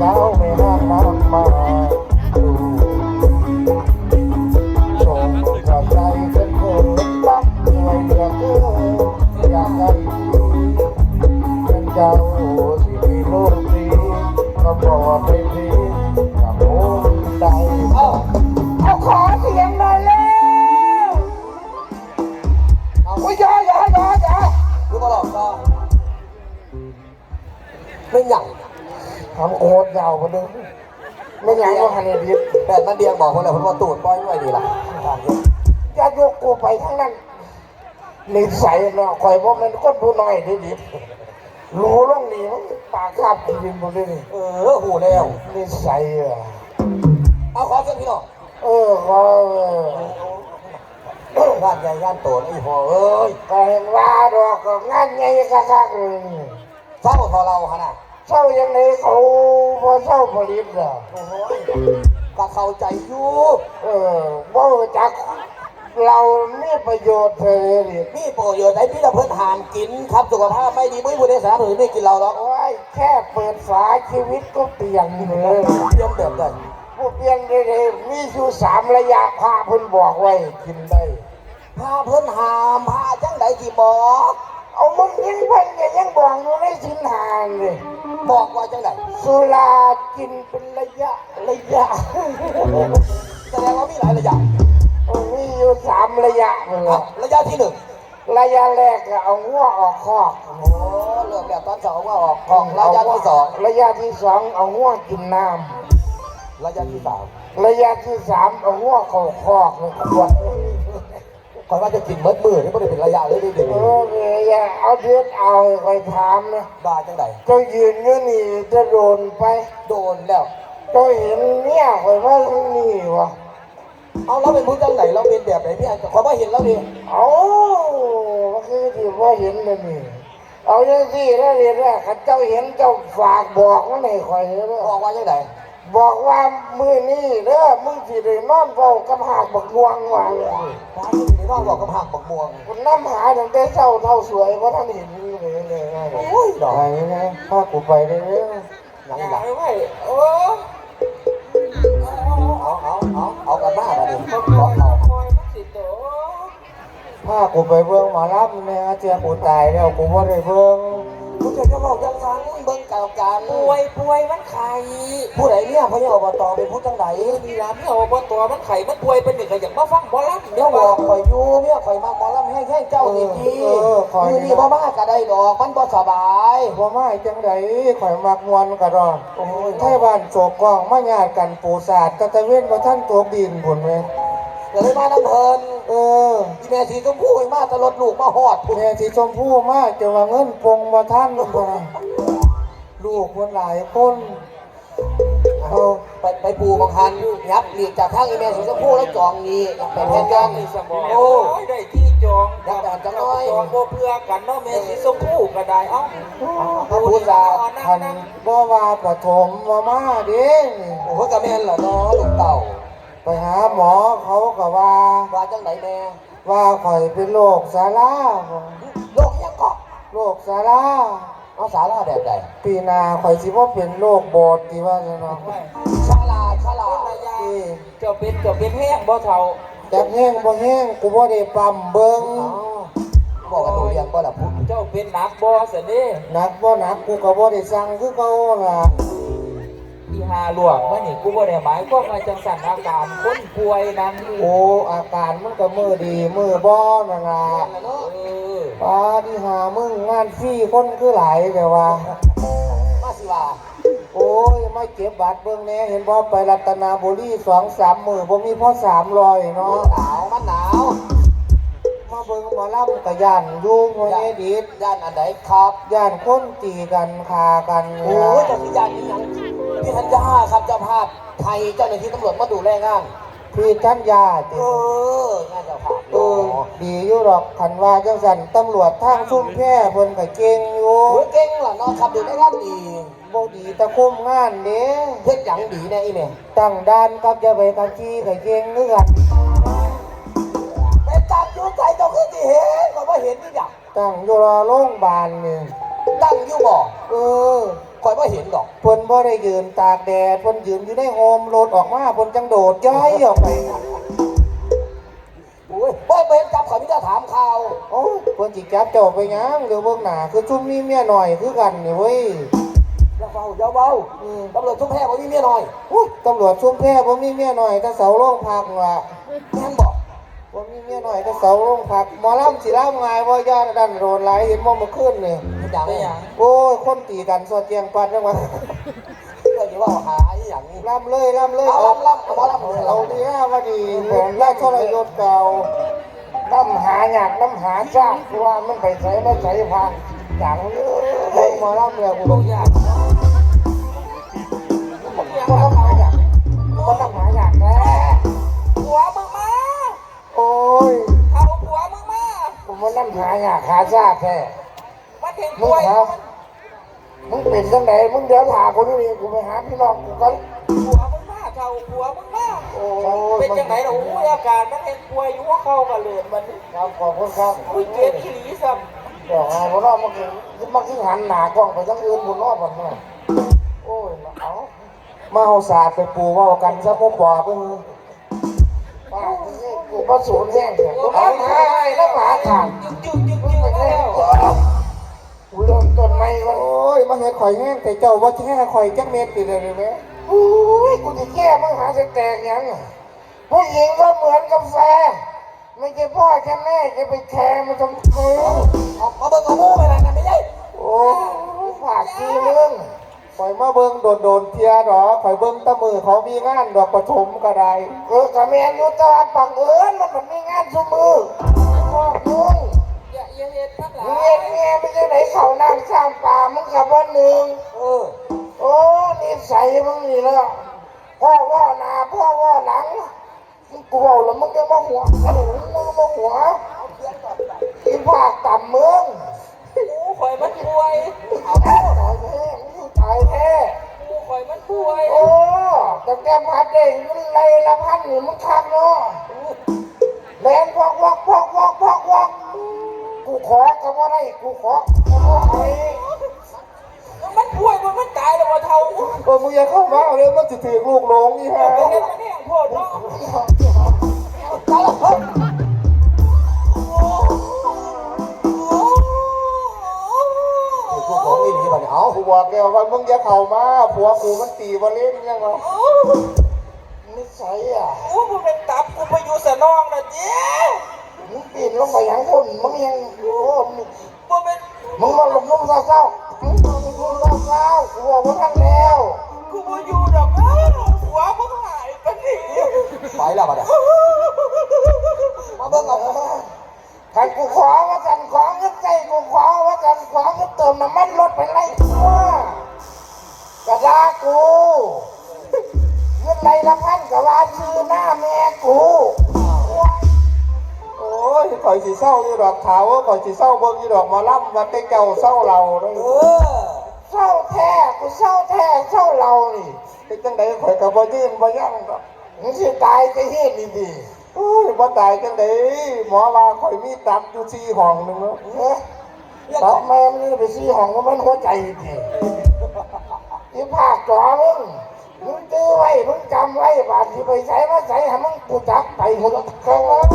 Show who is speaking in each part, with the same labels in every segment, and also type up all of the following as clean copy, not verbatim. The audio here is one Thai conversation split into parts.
Speaker 1: สาวไม่ห้ามมากมาดูส่งกระใจกันเถิดรักหน่วยเหลือเกินอยากให้เป็นเจ้าสิมีลูกดีก็บอกไปทีกับโอ้ใจเอาขอเสียงหน่อยเลยโอ้ยอย่า
Speaker 2: รู้มาหลอกก็ไม่หยั่ง
Speaker 1: ทำโคตรยาวกว่านึงไม่หยั่งก็หันดิบ
Speaker 2: แต่มันเดียงบอกคนละคนว่าตูดป้อยด้วยดีล่ะ
Speaker 1: จะยกกูไปทั้งนั้นนิสัยเนาะคอยว่ามันก็ดูหน่อยดิบรู้ล่องนี้มันปากคาบกินหมดเลย
Speaker 2: หูแล้ว
Speaker 1: นิสัย
Speaker 2: เอาขอเส้นพี่น้อง
Speaker 1: ก็
Speaker 2: งานใหญ่งานโตไอ้พ่อเอ้ย
Speaker 1: ก็เห็นว่าดอกก็งานใหญ่คักๆเลย
Speaker 2: เศร้าทอเราขนาด
Speaker 1: เศร้ายังไงเขาพอเศร้าผลิตเหรอ
Speaker 2: โอ้โหก็เข้าใจอยู่
Speaker 1: ว่าจากเราไม่ประโยชน์เลย
Speaker 2: มีประโยชน์ไอ้พี่เราเพิ่นหามกินครับสุขภาพไม่ดีไม่บุญในสารถือไม่กินเราหรอก
Speaker 1: โอ้ยแค่เปิดฝาชีวิตก็เปลี่ยนเลย
Speaker 2: เปลี่ยนแบบนั้น
Speaker 1: ผู้เปลี่ยนเลยมีอยู่3 ระยะพาเพิ่นบอกไว้กินได้
Speaker 2: พาเพิ่นหามพาจังไดที่บอก
Speaker 1: เอามึงยังเพิ่นยังบอกอยู่ในสินหานเลย
Speaker 2: บอกว่าจังได
Speaker 1: สุรากินเป็นระยะ
Speaker 2: แสดงว่ามีหลายระยะ
Speaker 1: มีอยู่3 ระยะ
Speaker 2: ระยะที่1
Speaker 1: ระยะแรกเอาหัวออกคอก
Speaker 2: เริ่มแบบตอน2ว่าออกคอกระยะที่2
Speaker 1: ระยะที่2เอาหัวกินน้
Speaker 2: ำระยะที่3
Speaker 1: ระยะที่3เอาหัวเข้าคอกเลยขวด
Speaker 2: ก่อนว่าจะกินเบิดมือนี่ไม่ได้เป็นระยะเลยเด็ก
Speaker 1: อย่าเอาเดือดเอาไปถามนะ
Speaker 2: บ้าจังได
Speaker 1: เจ้ายืนอยู่นี่จะโดนไป
Speaker 2: โดนแล้ว
Speaker 1: เจ้าเห็นเนี่ยคอยว่าทั้งนี้วะ
Speaker 2: เอาเราเป็นผู้จังไหนเราเป็นแบบไหนพี่ขอว่าเห็นแล้วดิ
Speaker 1: เอาคือที่ว่าเห็นเลยนี่เอาอย่างที่แล้วเรียนว่าเจ้าเห็นเจ้าฝากบอกว่าไหนคอย
Speaker 2: บอกว่าจังได
Speaker 1: บอกว่ามือนี่เด้อมึงสิได้นอนเฝ้ากับหากบักม่วงว่า
Speaker 2: พระที่ได้นอนบอกกับหากบักม่วง
Speaker 1: คุณน้ำหาตั้งแต่เช้าเท่าสวยเพราะท่านเห็นเลย
Speaker 2: โอ้ยดอก
Speaker 1: อะไรนะพากูไปเลย
Speaker 2: ยังหลังไม่เอากันบ้ามาดิ
Speaker 1: พากูไปเบิ่งหมอลำเนี่ยเจ้ากูตายแล้วกูว่าได้เบิ่ง
Speaker 2: กูจะบอกยังฟังเบิ่งเก่ากัน
Speaker 3: ป่วยมันไข่
Speaker 2: ผู้ใดเนี่ยพระเจ้าอบตเป็นผู้จังไหน
Speaker 3: มีร้านที่อบตมันไข่มันป่วยเป็นหนึ่งก็อย่างมาฟังหมอลำ
Speaker 2: เนี่ยบอกข่อยอยู่เนี่ยข่อยมาหมอลำให้เจ้าดีคือนี่บ่มาก็ได้ดอกมันบ่สบาย
Speaker 1: บ่มาจังไดข่อยมักมวนกระดอนไทยบ้านโศกกองมาญาติกันปูศาสตร์ตะเว้นบ่ท่านตัวดินพุ่นแม่
Speaker 2: เลยมาน้ำเพลินที่แม่สีชมพูมาตลอดลูกมาหอด
Speaker 1: แม่สีชมพูมาจะว่าเงินปงมาท่านลูกคนหลายคน
Speaker 2: ไปปูบางคันยับหลีกจากข้างอีแม่สีชมพูแล้วจองนี้ไปแทนกัน
Speaker 3: โอ้ได้ที่จอง
Speaker 2: ยักษ์จังน้อย
Speaker 3: จองโบเพื่อกันเนาะแม่สีชมพูก็ได้เอ้า
Speaker 1: ผู้ชายทันบ่ว่าประถมมาเด้
Speaker 2: โอ้โหกระแมนเหรอเนาะลูกเต่า
Speaker 1: ไปหาหมอเขาก็ว่า
Speaker 2: จังไหนแม่
Speaker 1: ว่าข่อยเป็นโรคซาร่า
Speaker 2: โรคยังเกาะ
Speaker 1: โรคซาร่า
Speaker 2: เอาซาร่าแบบใด
Speaker 1: ปีนาข่อยสิว่าเป็นโรคบอดที่ว่าเนาะ
Speaker 2: ชาลา
Speaker 3: เจ้าเป็นแห้งบ่เท่า
Speaker 1: จักแห้งบ่แห้งกูบ่ได้ปั๊มเบิ่ง
Speaker 2: บอกกันตัวเรียงบ่ล่ะพูด
Speaker 3: เจ้าเป็นหนักบ่เสด็จ
Speaker 1: หนักบ่หนักกูก็บ่ได้สั่งคือเก่าล่ะ
Speaker 3: ที่หาหลวงว่านี่กูบ่ได้หมายก็มาจังสั่นอาการคนป่วยนั้น
Speaker 1: โอ้อาการมันก็มือดีมือบ่นั่นล่ะป้าที่หามึงงานฟรีคนคือหลายแต่ว่า
Speaker 2: มาสิว่า
Speaker 1: โอ้ยไม่เก็บบัตรเบิ่งแน่เห็นบ่ไปรัตนบุรี2-3 มื้อบ่มีพอ300เนาะ
Speaker 2: มันหนาว
Speaker 1: มาเบิ่งหมอลำก็ย่านอยู่บ่ได้ดี
Speaker 2: ย่านอันใดครับ
Speaker 1: ย่านคนตีกันฆ่ากัน
Speaker 2: โอ้ยเจ้าที่ย่านนี่ยังพี่ธัญญาครับเจ้าภาพไทยเจ้าหน้าที่ตำรวจมาดูแลงาน
Speaker 1: พี่ธัญญา
Speaker 2: งานเจ้าภาพ
Speaker 1: ดีอยู่หรอกคันว่าจังซั่นตำรวจทางชุมแพเพิ่นก็เก่งอยู่
Speaker 2: เก่งล่ะเนาะครับดูในงานดี
Speaker 1: บ่ดีตะคุมงานเด้
Speaker 2: เฮ็ดหยังดีแน่อีแม่
Speaker 1: ตั้งด่านกับอย่าไปกันจี้ก็เก่งคือกัน
Speaker 2: ไปตั้งอยู่ใจเจ้าคือสิเห็นก็บ่เห็นนี่หยัง
Speaker 1: ตั้งอยู่รอโรงพยาบาลนี่
Speaker 2: ตั้งอยู่บ่ข่อยอยบ่เห็นดอก
Speaker 1: เพิ่นบ่ได้ยืนตากแดดเพิ่นยืนอยู่ในโฮมรถออกมาเพิ่นจังโดดย้อยออกไป
Speaker 2: โอ้ยบ่เห็นจับข่อยมีแต่ถามข่าว
Speaker 1: โอ้ยเพิ่นสิจับเจ้าไปหยังเดี๋ยวเบิ่งหน้าคือซุ่มมีเมียน้อยคือกันนี่เว้ย
Speaker 2: อย่าเบาตำรวจชุมแพบ่มีเมียน้อย
Speaker 1: อุ๊ยตำรวจชุมแพบ่มีเมียน้อยแต่เสาโรงพักว่ะ
Speaker 2: แม่นบอก
Speaker 1: บ่มีเมียน้อยแต่เสาโรงพักหมอลำสิลำง่ายบ่ย่านดันโดนหลายเห็นบ่เมื่อคืนนี่
Speaker 2: เป็นอย่าง
Speaker 3: ได้หยัง
Speaker 1: โอ้ยคนตีกันสวดเจียงปัดจังหวะ
Speaker 2: เรื่องที่ว่าหาอีหยัง
Speaker 1: ลำเลยลำเลย
Speaker 2: เอาล่ำ
Speaker 1: เอาดีนะว่าดีผมราชทรยศเก่าน้ำหาอยากน้ำหาซากเพราะว่ามันไปใส่มาใส่พังจังเลยหมอลำเนี่ยกู
Speaker 3: ลู
Speaker 1: บ่
Speaker 3: กยาก
Speaker 1: ก็ต้องหาอยากก็ต้องหาอยากแน่
Speaker 3: ผัวมึงมา
Speaker 1: โอ้ย
Speaker 3: เอาผัวมึงมา
Speaker 1: ผมว่าน้ำหาอยากหาซากแท้
Speaker 3: มันเห็น
Speaker 1: มึ
Speaker 3: ป่
Speaker 1: ง
Speaker 3: วย
Speaker 1: หามึงเป็นจังไหนมึงเดี๋ยวหาคนนี้กูไปหาพี่น้องกูกัน
Speaker 3: ผัวมึงมาเขาผัวมึงมา
Speaker 1: โอ้
Speaker 3: เป็นจังไหนล่ะโอ้ยอาการมันเห็นป่วยอยู่ว่าเข้ากันเลยมัน
Speaker 1: ครับขอบคุณครับ
Speaker 3: อุ้ยเจ็บอีหลีซ้
Speaker 1: เดี๋ยวหาคนนอกมาคือหันหน้ากล้องไปทั้งอื่นบนนอกบนนู้นโอ้ยเอามาเอาศาสตร์ไปปูว่ากันซะพ่อปอเพิ่งป้ากูก็สูญแห้งเนี่ยกูเอาหายแล้วหมาขาด
Speaker 3: จึ๊กมาแล้ว
Speaker 1: กูเริ่มต้นใหม่ก่อนโอ้ยมาเห็นข่อยแห้งแต่เจ้าว่าแค่ข่อยจักเม็ดติดเลยไหมโอ้ยกูจะแก้มึงหาจะแตกยังผู้หญิงก็เหมือนกาแฟไม่ใช่พ่อแค่แม่จะไปแคร์มันทำไม
Speaker 2: เอาเบิ่งเอาหมูไปนั่นไม่ใช่
Speaker 1: โอ้ฝากทีมึงข่อยมาเบิ่งโดนเทียดอกข่อยเบิ่งตะมือเขามีงานดอกประถมก็ได้กะแมนอยู่ตาปังเอิญมันมีงานซุมือพ่อมึง
Speaker 3: อย่าเฮ็ดนักหลา
Speaker 1: เมียเมียไม่ใช่ไหนเขานั่งข้ามป่ามึงกับวันหนึ่งโอ้นิสัยมึงนี่ละพ่อว่าหน้าพ่อว่าหลังมึงกลัวแล้วมึงจะมาหัวมึงมาหัวอีภาคต่ำมึง
Speaker 3: กูข่อยมันป่วย
Speaker 1: เอาตายแท้มึงตายแท้
Speaker 3: กูข่อยมันป่วย
Speaker 1: โอ้แต่แกพัดเองมันไรละพันนี่มึงคักเนาะแลนพอกกูขอก็ว่าได้กูขอก็ว่าไอ้
Speaker 3: มันป่วยมันตายแล้วว่าเท่า
Speaker 1: โอ้มึงอย่าเข้ามาเลยมันจะถือลูกหลงนี่ฮะ
Speaker 3: ไปเฮ็ดมันแห้งโพดเนาะ
Speaker 2: ตายแล้วเฮ้ย พวกของอีนี่บัดนี้เอา
Speaker 1: กูบอกแล้วว่ามึงอย่าเข้ามาผัวกูมันตีบอลเล่นยังไงนิสัยอ่ะ
Speaker 3: กูบ่เป็นตับกูไปอยู่สนองน่ะเจ้
Speaker 1: มึงปีนลงไปอย่างคนมึงยังโอ้
Speaker 3: บ่เป็น
Speaker 1: มึงมาหลบมุมเศร้าๆมึงมาหลบมุมเศร้าๆกูบอกว่าท่านแล้ว
Speaker 3: กูบ่อยู่ดอกหัวมึงหายปานนี้
Speaker 2: ไปแล้วบัดนี้มาเบิ่งเอา
Speaker 1: ใครกูขอว่ากันขอเงินใจกูขอว่ากันขอเงินเติมน้ำมันรถไปไล่กูกระดากูเงินไรละพันกับว่าชื่อหน้าแม่กูโอ้ยข่อยสีเศร้าอยู่ดอกขาวข่อยสีเศร้าเบิ่งอยู่ดอกมาล่ำวันได้เจ้าเศร้าเราเลยเศร้าแท้กูเศร้าแท้เศร้าเรานี่เป็นจังไดข่อยกับบ่ยืนบ่ยั่งดอกมึงสิตายจะเฮ็ดดีๆโอ้ยบ่ตายจังไดหมอว่าข่อยมีตับอยู่4ห้องนึงเนาะตับแม่มันนี่ไป4ห้องมันหัวใจดีอีภาคจอมึงตื้อไว้มึงจำไว้บาดที่ไปใส่มาใส่ให้มึงกูจับไปหมดแล้ว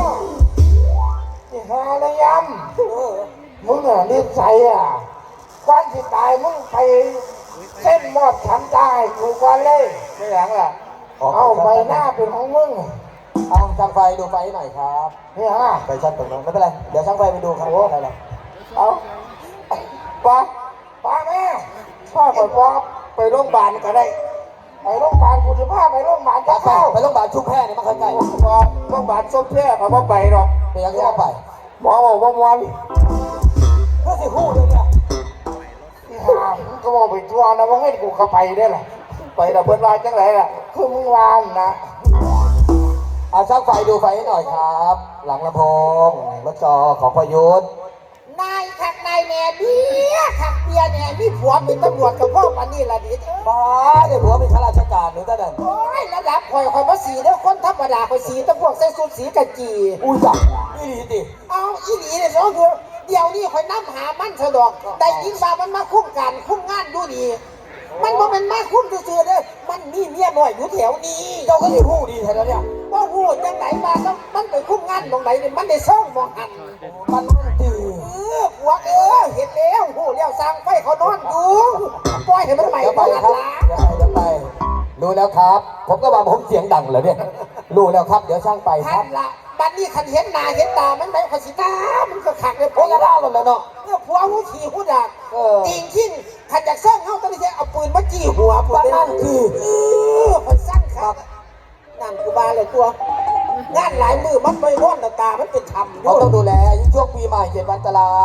Speaker 1: ที่หาระยำมึงอ่ะนิสัยอ่ะก่อนที่ตายมึงไปเส้นมอดฉันตายกูก่อนเลยไม่หลังล่ะเอาใบหน้าเป็นของมึง
Speaker 2: เอาช่างไฟดูไฟหน่อยครับ
Speaker 1: นี่ฮะ
Speaker 2: ไฟชัดตรงนั้นไม่เป็นไรเดี๋ยวช่างไฟไปดูครับว่าอะไร
Speaker 1: เอาป้าแม่พ่อก่อนป้าไปโรงพยาบาลก็ได้ไปโรงพยาบาลกูจะพาไปโรงพยาบาลจะเข้า
Speaker 2: ไปโรงพยาบาลชุมแพนี่มันใกล้
Speaker 1: โรงพยาบาลส้มแพร่เขาไม่ไปหรอก
Speaker 2: ๆเป็นยังไงก็ไป
Speaker 1: หมอบอกว่ามวน
Speaker 2: เพื่อสิฮู้เลยเนี่ย
Speaker 1: ที่หามึงก็บอกไปทัวร์นะว่าให้กูเข้าไปได้ล่ะไปแต่เพิ่นว่าจังไรล่ะคือมึงวานนะ
Speaker 2: เอาช่างไฟดูไฟให้หน่อยครับ หลังลำโพงรถจอของพยุทธ
Speaker 4: นายขักนายแม่เบี้ยขักเบียเนี่ยมีผัวเป็นตำรวจกับพ่อปันนี่ละดิเอ้ย
Speaker 2: ป้าเนี่ยผัวเป็นข้าราชการหรือท่านนั่น
Speaker 4: โอ้ยระดับข่อยมาสีแล้วคนธรรมดาข่อยสีแตะพวกใส่สูทสีกะจี
Speaker 2: อุ้ยจับนี่ดีดิ
Speaker 4: เอาอีหลีเนี่ยน้องคือเดี๋ยวนี้ข่อยน้ำหามันสะดอกได้ยินว่ามันมาคุ้มกันคุ้มงานดูดีมันบ่เป็นมาคุ้มซื่อๆเด้อมันมีเมียน้อยอยู่แถวนี้
Speaker 2: เจ้าก็สิฮู้ดีแท้แล้วเนี่ย
Speaker 4: บ่ฮู้จังไหนมาก็มันไปคุ้มงานตรงไหนนี่มันได้ซ่องบ่หัน
Speaker 2: มันนั่นตี
Speaker 4: ผัวเห็นแล้วฮู้แล้วสร้างไฟเขานอนอยู่ปล่อยให้มันใหม่
Speaker 2: อย่าไป
Speaker 4: บ่หัน
Speaker 2: ครับ
Speaker 4: ล่ะ
Speaker 2: อย่าไปรู้แล้วครับ ผมก็ว่าผมเสียงดังเหรอเนี่ยรู้แล้วครับเดี๋ยวช่างไปค
Speaker 4: หั
Speaker 2: รับ
Speaker 4: นล่ะบัดนี้คันเห็นหน้าเห็นตามันไหนขสิตามันก็คักเลย
Speaker 2: โอ้ยกระด้างหมดแล้วเนาะ
Speaker 4: ผัวหูขี่หูดัก
Speaker 2: เออ
Speaker 4: จริงทิ้งขัดจากเส้นเฮาตอนนี้เอาปืนมาจี้หัว
Speaker 2: บ้านนั่นคือ
Speaker 4: มันสั้นครับนั่นคือบาเลยตัวงานหลายมือมันไม่ร้อนตามันเป็นธรรมอ
Speaker 2: เขา
Speaker 4: ยู่
Speaker 2: ต้องดูแลยิ่งช่วงปีใหม่7 วันอันตราย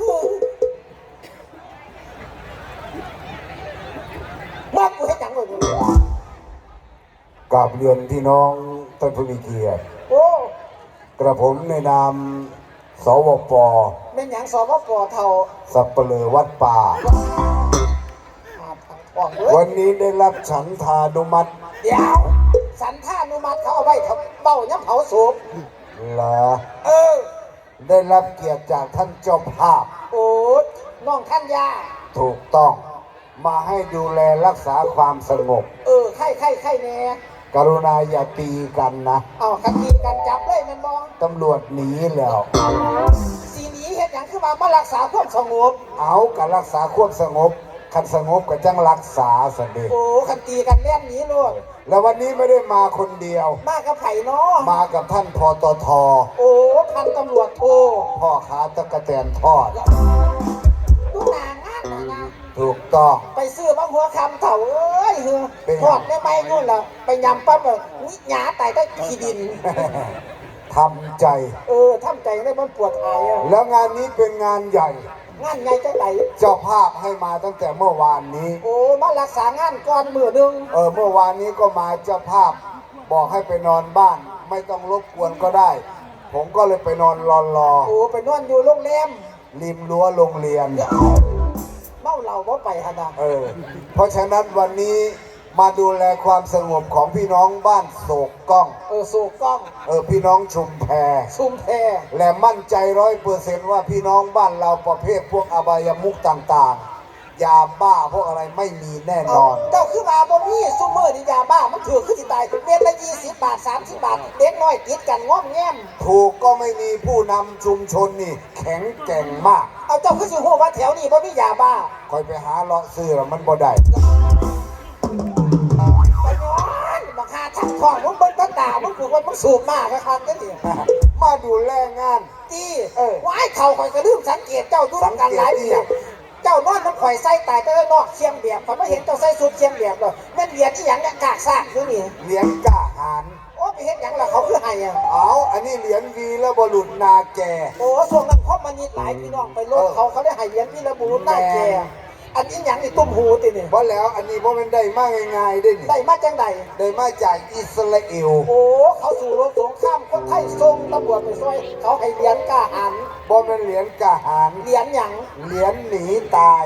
Speaker 4: ว่ากูให้จังเลย
Speaker 1: กราบเรียนพี่น้องท่านผู้มีเกียรติ
Speaker 4: โอ้
Speaker 1: กระผมในนามสวป
Speaker 4: เป็นอย่างสอบปอเท่า
Speaker 1: สัปเหร่อวัดป่า
Speaker 4: ออกเลย
Speaker 1: วันนี้ได้รับฉันทานุมัติ
Speaker 4: เดี๋ยวสันท่านุมัติเขาเอาไว้ทำเบ้าย้ำเผาศพ
Speaker 1: เหรอ
Speaker 4: เออ
Speaker 1: ได้รับเกียรติจากท่านเจ้าภาพ
Speaker 4: โอ้น้องท่านยา
Speaker 1: ถูกต้องมาให้ดูแลรักษาความสงบ
Speaker 4: ไข่แน่
Speaker 1: กรุณาอย่าตีกันนะ
Speaker 4: เอาคดีกันจับเลยมันบอง
Speaker 1: ตำรวจหนีแล้ว
Speaker 4: สีนี้เห็นอย่างคือมารักษาความสงบ
Speaker 1: เอาการรักษาความสงบคันสงบก็จังรักษาสเด็จ
Speaker 4: โอ้คันตีกันเล่นหนี้ลูก
Speaker 1: แล้ววันนี้ไม่ได้มาคนเดียว
Speaker 4: มากับไผ่เนาะ
Speaker 1: มากับท่านพตท
Speaker 4: โอ้พันตำรวจโท
Speaker 1: พ่อค้าตะกะแตนทอด
Speaker 4: ดูหนางานนะ
Speaker 1: ถูกต้อง
Speaker 4: ไปซื้อมาหัวคำเถ่าเอ้ยเฮือ
Speaker 1: เป็นไง
Speaker 4: ทอดได้ไหมนู่นล่ะไปยำปั๊บแบบนิหยาไต่ได้ขี้ดิน
Speaker 1: ทำใจ
Speaker 4: ทำใจได้มันปวดอายอ่ะ
Speaker 1: แล้วงานนี้เป็นงานใหญ่
Speaker 4: งานใหญ่จังไหน
Speaker 1: เจ้าภาพให้มาตั้งแต่เมื่อวานนี้
Speaker 4: โอ้มารักษางานก่อนมือหนึ่ง
Speaker 1: เมื่อวานนี้ก็มาเจ้าภาพ บอกให้ไปนอนบ้าน ไม่ต้องรบกวนก็ได้ ผมก็เลยไปนอนรอ
Speaker 4: โอ้ไปนอนอยู่โรงแรม
Speaker 1: ริมรั้วโรงเรียน
Speaker 4: เมาเหล้าบ่ไปฮะนะ
Speaker 1: เพราะฉะนั้นวันนี้มาดูแลความสงบของพี่น้องบ้านโศกก้อง
Speaker 4: สูกกล้อง
Speaker 1: พี่น้องชุมแพ
Speaker 4: ซุ่มแพ
Speaker 1: และมั่นใจ100%ว่าพี่น้องบ้านเราประเภทพวกอบายมุขต่างๆ ยาบ้าพวกอะไรไม่มีแน่นอน
Speaker 4: เจ้าคือมาบ่มีซุมเมอร์นี่ยาบ้ามันถือขึ้นสิตายเม็ดละ20 บาท30 บาทเด็กน้อยติดกันง้อมแง้ม
Speaker 1: ถูกก็ไม่มีผู้นำชุมชนนี่แข็งแกร่งมาก
Speaker 4: เอาเจ้าคือสิฮู้ว่าแถวนี้บ่มียาบ้า
Speaker 1: คอยไปหาเลาะซื้อแล้วมันบ่ได้
Speaker 4: ไปย้อนบักหาทักทองมึงเบิ่งตามึงคือว่ามึงสูบมากครับจังซี่
Speaker 1: มาดูแลงาน
Speaker 4: ตีว้ายเขาข่อยก็ลืมสังเกตเจ้าดูนำกันหลายปีเจ้านอนน้ำข่อยใส่ตายแต่นอกเชียงเบียบข่อยบ่เห็นเจ้าใส่สุดเชียงเบียบเลยแม่นเหรียญอีหยังเนี่ยกากซากอยู่นี่
Speaker 1: เหรียญกล้าหาญ
Speaker 4: โอ้ไปเฮ็ดหยังล่ะเขาคือให้อ่ะ
Speaker 1: อันนี้เหรียญวีและบรุษนาแก
Speaker 4: โอ้ช่วงนั้นครอบมันนี่หลายพี่น้องไปโลกเขาได้ให้เหรียญพี่ระบุหน้าแกอันนี้หยังนี่ตุ้มหูตินี่
Speaker 1: เพราะแล้วอันนี้เพราะมันได้มากง่ายๆได้นี่
Speaker 4: ได้มาจังใด
Speaker 1: ได้มาจากอิสราเอล
Speaker 4: โอ้เขาสู่รบสงครามคนไทยส่งตำรวจไปช่วยเขาให้เหรียญกล้าหาญ
Speaker 1: เพราะมันเหรียญกล้าหาญ
Speaker 4: เหรียญหยัง
Speaker 1: เหรียญหนีตาย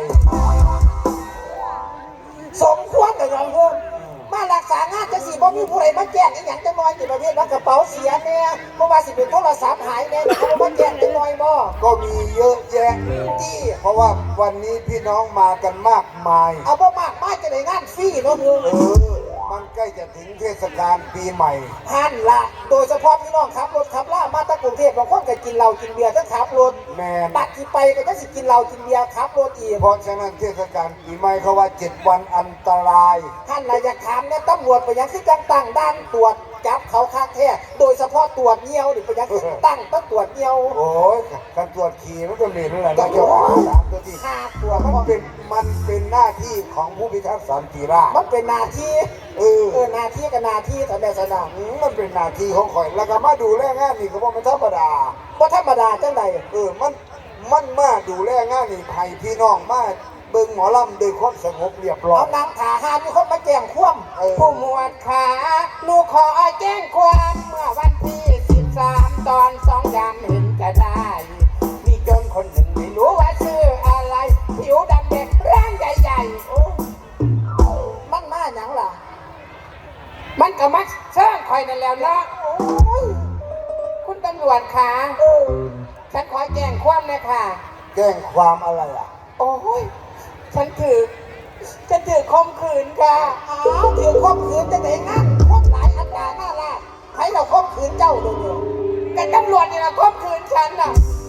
Speaker 4: สมควรกับเราเพิ่มมารักษางานจังสิบ่มีผู้ใดมาแจ้งอีหยังจังน้อยที่ประเภทว่ากระเป๋าเสียแน่เพราะว่าสิเป็นโทรศัพท์หายแน่เขาบ่มาแจ้งจังน้อยบ่
Speaker 1: ก็มีเยอะแยะ
Speaker 4: จี้
Speaker 1: เพราะว่าวันนี้พี่น้องมากันมากมาย
Speaker 4: เอาบ่มากมาจะได้งานฟรีเนาะเพิ่น
Speaker 1: มันใกล้จะถึงเทศกาลปีใหม่
Speaker 4: หันละโดยเฉพาะพี่น้องขับรถขับล่ามาตะกรุงเทพบางคนก็กินเหล้ากินเบียร์ทั้งขับรถ
Speaker 1: แมน
Speaker 4: บัดที่ไปก็จะสิกินเหล้ากินเบียร์ขับรถอีก
Speaker 1: เพราะฉะนั้นเทศกาลปีใหม่เขาว่า7 วันอันตราย
Speaker 4: ท่านน่ะอยากถามเนี่ยตำรวจไปยังคือจังตั้งด้านตรวจจับเขาคาแท้โดยเฉพาะตรวจเงี้ยวนี่ไปยังคือตั้งต้องตรวจเงี้ยว
Speaker 1: โอ้ยการตรวจขี่มันก็เหม็นแหละนะเจ้าของสามตัวที่
Speaker 4: ค่าตรวจ
Speaker 1: มันเป็นหน้าที่ของผู้พิทักษ์สันติราษฎร์
Speaker 4: มันเป็นหน้าที่ หน้าที่กับหน้าที่แต่แม่สนาม
Speaker 1: มันเป็นหน้าที่ของข่อยแล้วก็มาดูแลงานนี่ก็บ่แม่นธรรมดา
Speaker 4: ว่าธรรมดาจังใด
Speaker 1: มันมาดูแลงานนี่ให้พี่น้องมาเบิ่งหมอลำด้วยความสงบเรียบร้อ
Speaker 4: เอา
Speaker 1: ย
Speaker 4: นางขาหามีคนมาแจ้งความ
Speaker 5: ผู้หมวดขาหนูขอแจ้งความเมื่อวันที่ 13 ตอน2 ยามเห็นจะได้ มีโจรคนหนึ่งไม่รู้ว่าชื่ออะไร ผิวดำเด็กร่างใหญ่ๆโอ้
Speaker 4: มันมาหยังล่ะ
Speaker 5: มันก็มักเชิญคอยนั่นแล้วเนาะ
Speaker 4: โอ้ย
Speaker 5: คุณตำรวจขาฉันขอแจ้งความเลยค่ะ
Speaker 1: แจ้งความอะไรอ่ะ
Speaker 5: โอ้ยฉันถือคมขืนค่ะ
Speaker 4: อ้าวถือข่มขืนจะไหนงั้นคนหลายอัตราหน้าล่าใครเราข่มขืนเจ้าเดี๋ยว
Speaker 5: แต่ตำรวจนี่นะคมขืนฉันน่ะ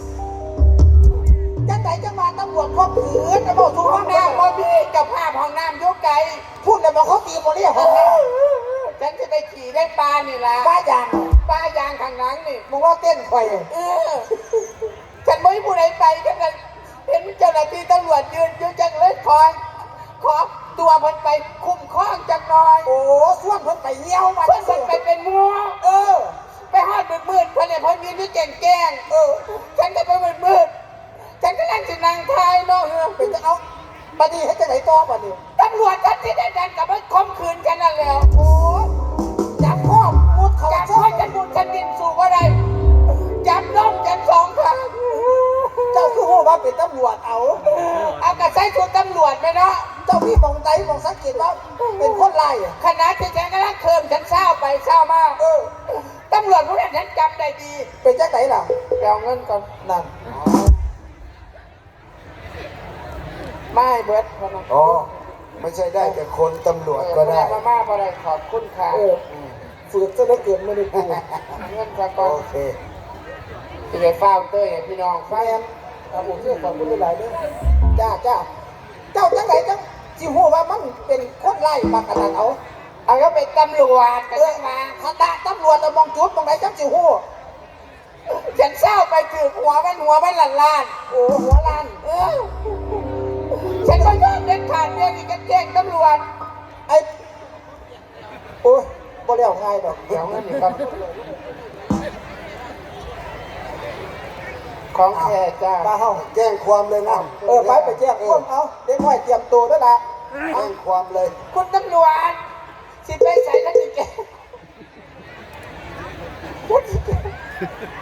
Speaker 4: จังไหนจังมาตำรวจข่มขืนนะบอกทุก
Speaker 5: ห้
Speaker 4: ห้
Speaker 5: อ
Speaker 4: อง ง
Speaker 5: น้ำ
Speaker 4: น้ำ
Speaker 5: บ่มีเจ้าภาพห้องน้ำยุกไกล
Speaker 4: พูดเลยบอกเขาตีโมเรียห้องน้
Speaker 5: ฉันจะไปขี่ได้ปลานี่ล่ะ
Speaker 4: ำป้าอย่าง
Speaker 5: ปลายางข้างหลังนี่
Speaker 4: มึงว่าเต้นไฟ
Speaker 5: ฉันไม่ผู้ใดไปกันเลยเห็นเจ้าหน้าที่ตำรวจยืนอยู่จังเลยขอตัวมันไปคุ้มครองจังหน่อย
Speaker 4: โอ้ส่วนเพิ่นไปเยี่ยวมา
Speaker 5: เพื่อนมันไปเป็นมัว ไปหอดมืดๆเพื่อนเนี่ยเพื่อนยืนที่แก่งแกงฉันก็ไปมืดๆฉันก็นั่งสินางทายเนาะ
Speaker 4: เป็นจะเอาบัดนี้ให้จังไหนต่อบัดนี้
Speaker 5: ตำรวจท่านที่ได้ดันกับมันข่มขืนกันนั่นแหละ
Speaker 4: โอ้จับข้อมุดเขา
Speaker 5: จับ
Speaker 4: ช่อ
Speaker 5: พ่อย ฉันบุญฉันดินสู่อะไรจับน้องฉันสองครั้ง
Speaker 4: เจ้าคือหูว่าเป็นตำรวจเอา
Speaker 5: เอากระใส่ชุดตำรวจไปเนาะ
Speaker 4: เจ้าพี่มองไหนมองสังเกตว่าเป็นคนไล่
Speaker 5: ขณะที่ฉันกำลังเคิมฉันเศร้าไปเศร้ามาตำรวจผู้นั้นฉันจำได้ดี
Speaker 4: เป็นจังไหนล่ะ
Speaker 5: ไปเอาเงินก่อน
Speaker 4: นั่น
Speaker 5: ไม่เบิร์ดพนัก
Speaker 1: อ๋อไม่ใช่ได้แต่คนตำรวจก็ได้
Speaker 5: มาม่าอะไรขอบคุณค่ะ
Speaker 4: ฝืนซะเหลือเกินไม่ได้กู
Speaker 5: เงินก่อน
Speaker 1: โอเค
Speaker 5: ที่ไปเฝ้าเต้ยพี่น้อง
Speaker 4: แฟนครับผมเชื่อความคุณหลายๆเด้อจ้าเจ้าจังไหนจังจิหูว่ามันเป็นคนไล่มากระนั้นเอา
Speaker 5: เอาก็เป็นตำรวจกันยังมา
Speaker 4: คณะตำรวจเรามองจุดมองไหนจังจิหู
Speaker 5: ฉันเศร้าไปถือหัวมันล้าน
Speaker 4: โอ้หัวล้าน
Speaker 5: ฉันก็ยอมเด็ดขาดเรื่องนี้กันแจ้งตำรวจ
Speaker 4: ไอ้โอ้ยบ่เลี้ยวง่ายดอก
Speaker 5: เดี๋ยวเงินนี่ครับของแท้จ้า
Speaker 4: มาเฮา
Speaker 1: แจ้งความเลยนะ
Speaker 4: ไปแจ้งความเอาเด็กน้อยเตรียมตัวด้วยนะ
Speaker 1: แจ้งความเลย
Speaker 5: คุณตำรวจสิไปใส่แล้วจิแก